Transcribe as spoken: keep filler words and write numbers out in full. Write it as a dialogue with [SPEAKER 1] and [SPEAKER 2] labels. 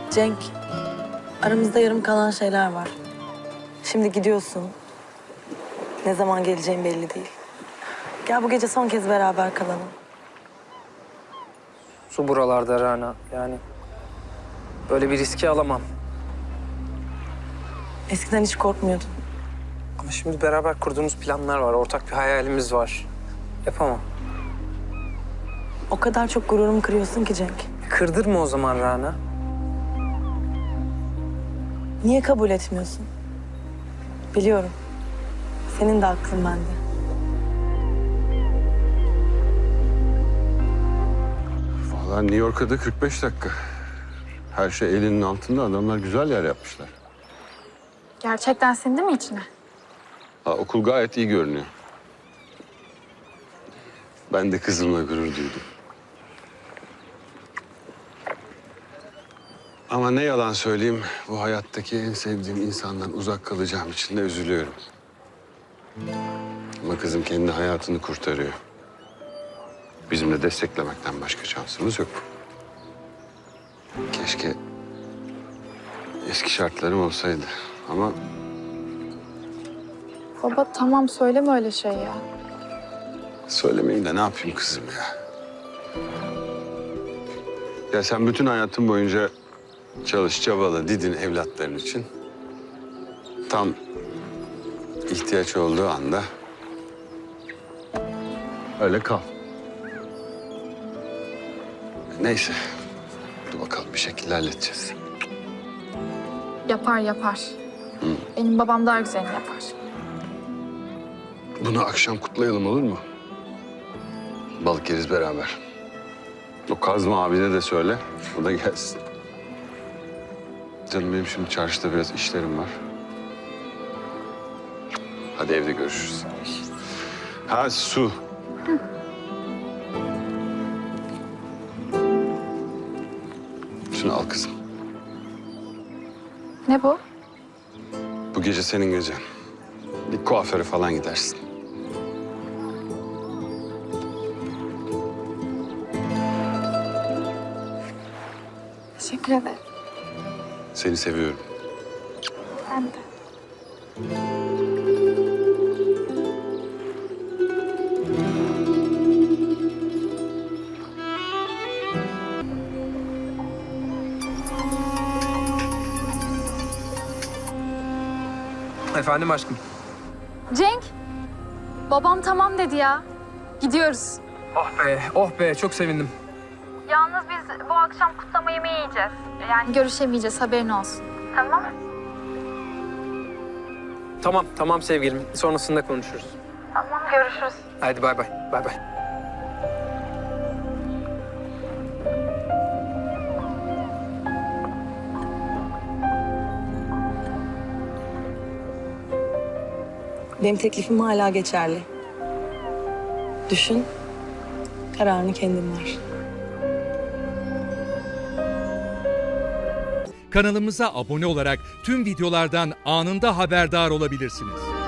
[SPEAKER 1] Cenk, aramızda yarım kalan şeyler var. Şimdi gidiyorsun. Ne zaman geleceğin belli değil. Gel bu gece son kez beraber kalalım.
[SPEAKER 2] Su buralarda Rana. Yani böyle bir riski alamam.
[SPEAKER 1] Eskiden hiç korkmuyordun.
[SPEAKER 2] Ama şimdi beraber kurduğumuz planlar var. Ortak bir hayalimiz var. Yapamam.
[SPEAKER 1] O kadar çok gururumu kırıyorsun ki Cenk.
[SPEAKER 2] Kırdırma o zaman Rana.
[SPEAKER 1] Niye kabul etmiyorsun? Biliyorum. Senin de aklın bende.
[SPEAKER 3] Vallahi New York'a da kırk beş dakika. Her şey elinin altında. Adamlar güzel yer yapmışlar.
[SPEAKER 4] Gerçekten sindi mi içine?
[SPEAKER 3] Ha, okul gayet iyi görünüyor. Ben de kızımla gurur duydum. Ama ne yalan söyleyeyim, bu hayattaki en sevdiğim insandan uzak kalacağım için de üzülüyorum. Ama kızım kendi hayatını kurtarıyor. Bizim de desteklemekten başka şansımız yok. Keşke eski şartlarım olsaydı ama...
[SPEAKER 4] Baba tamam söyleme öyle şey ya.
[SPEAKER 3] Söylemeyeyim de ne yapayım kızım ya? Ya sen bütün hayatın boyunca çalış, çabala, didin evlatların için. Tam ihtiyaç olduğu anda öyle kal. Neyse, dur bakalım bir şekilde halledeceğiz.
[SPEAKER 4] Yapar yapar.
[SPEAKER 3] Hı.
[SPEAKER 4] Benim babam daha güzelini yapar.
[SPEAKER 3] Bunu akşam kutlayalım olur mu? Balık yeriz beraber. O Kazma abine de söyle, o da gelsin. Canım benim şimdi çarşıda biraz işlerim var. Hadi evde görüşürüz. Ha su. Hı. Şunu al kızım.
[SPEAKER 4] Ne bu?
[SPEAKER 3] Bu gece senin gecen. Bir kuaföre falan gidersin.
[SPEAKER 4] Teşekkür ederim.
[SPEAKER 3] Seni seviyorum.
[SPEAKER 4] Ben de.
[SPEAKER 2] Efendim aşkım.
[SPEAKER 4] Cenk, babam tamam dedi ya. Gidiyoruz.
[SPEAKER 2] Oh be, oh be. Çok sevindim.
[SPEAKER 4] Yalnız biz bu akşam kutlama yemeği yiyeceğiz. Yani görüşemeyeceğiz, haberin olsun. Tamam.
[SPEAKER 2] Tamam, tamam sevgilim. Sonrasında konuşuruz.
[SPEAKER 4] Tamam, görüşürüz.
[SPEAKER 2] Hadi bay bay, bay bay.
[SPEAKER 1] Benim teklifim hala geçerli. Düşün, kararını kendin ver.
[SPEAKER 5] Kanalımıza abone olarak tüm videolardan anında haberdar olabilirsiniz.